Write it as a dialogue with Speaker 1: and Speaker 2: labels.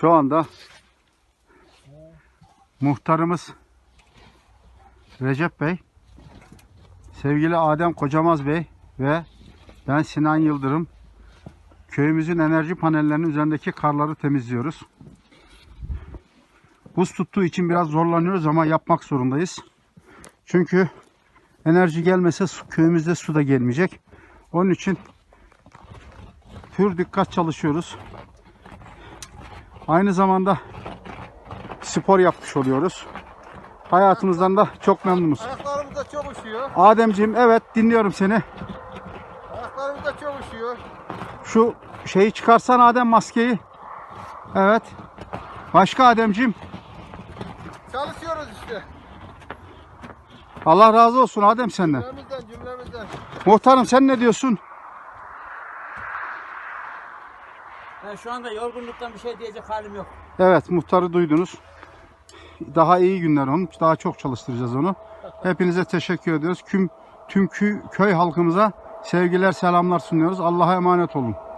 Speaker 1: Şu anda muhtarımız Recep Bey, sevgili Adem Kocamaz Bey ve ben Sinan Yıldırım köyümüzün enerji panellerinin üzerindeki karları temizliyoruz. Buz tuttuğu için biraz zorlanıyoruz ama yapmak zorundayız. Çünkü enerji gelmese köyümüzde su da gelmeyecek. Onun için pür dikkat çalışıyoruz. Aynı zamanda spor yapmış oluyoruz. Hayatımızdan da çok memnunuz.
Speaker 2: Ayaklarımız da çok üşüyor.
Speaker 1: Ademciğim, evet, dinliyorum seni.
Speaker 2: Ayaklarımız da çok üşüyor.
Speaker 1: Şu şeyi çıkarsan Adem, maskeyi. Evet. Başka Ademciğim.
Speaker 2: Çalışıyoruz işte.
Speaker 1: Allah razı olsun Adem senden.
Speaker 2: Cümlemizden.
Speaker 1: Muhtarım, sen ne diyorsun?
Speaker 3: Ben şu anda yorgunluktan bir şey diyecek halim yok.
Speaker 1: Evet, muhtarı duydunuz. Daha iyi günler onun. Daha çok çalıştıracağız onu. Hepinize teşekkür ediyoruz. Tüm köy halkımıza sevgiler, selamlar sunuyoruz. Allah'a emanet olun.